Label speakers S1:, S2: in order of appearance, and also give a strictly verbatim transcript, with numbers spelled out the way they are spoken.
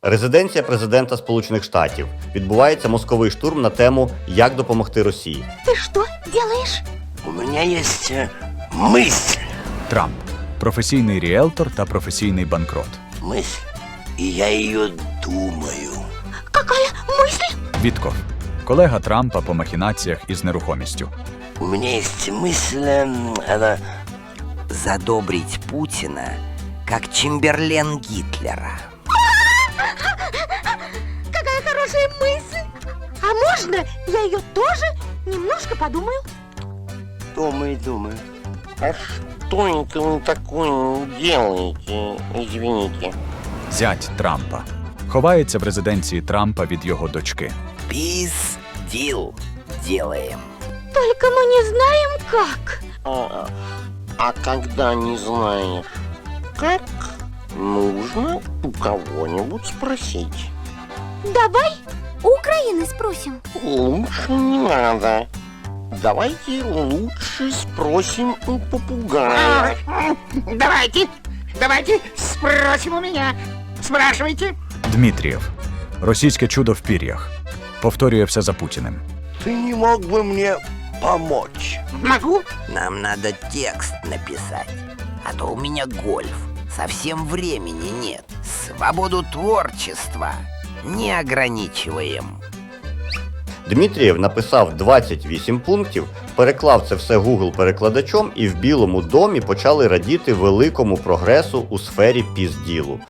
S1: Резиденція президента Сполучених Штатів. Відбувається мозковий штурм на тему «Як допомогти Росії».
S2: Ты что делаешь?
S3: У меня есть э, мысль.
S4: Трамп – професійний ріелтор та професійний банкрот.
S3: Мысль. И я ее думаю.
S2: Какая мысль?
S4: Вітков – колега Трампа по махінаціях із нерухомістю.
S3: У меня есть мысль, э, она...
S5: Задобрить Путина, как Чемберлен Гитлера.
S2: Какая хорошая мысль! А можно я ее тоже немножко подумаю?
S3: Думаю, думаю.
S6: А что это вы такое делаете, извините?
S4: Зять Трампа. Ховається в резиденції Трампа від його дочки.
S5: Peace deal делаем.
S2: Только мы не знаем как.
S6: А, а когда не знаешь, как, нужно у кого-нибудь спросить.
S2: Давай у Украины спросим.
S6: Лучше не надо. Давайте лучше спросим у попугая.
S7: Давайте, давайте спросим у меня. Спрашивайте.
S4: Дмитрієв – російське чудо в пір'ях. Повторює все за Путіним.
S3: Ты не мог бы мне помочь?
S7: Могу?
S5: Нам надо текст написать, а то у меня гольф. Совсем времени нет. Свободу творчества не ограничиваем.
S1: Дмитрієв написав двадцять вісім пунктів, переклав це все Google-перекладачом і в Білому домі почали радіти великому прогресу у сфері пізділу.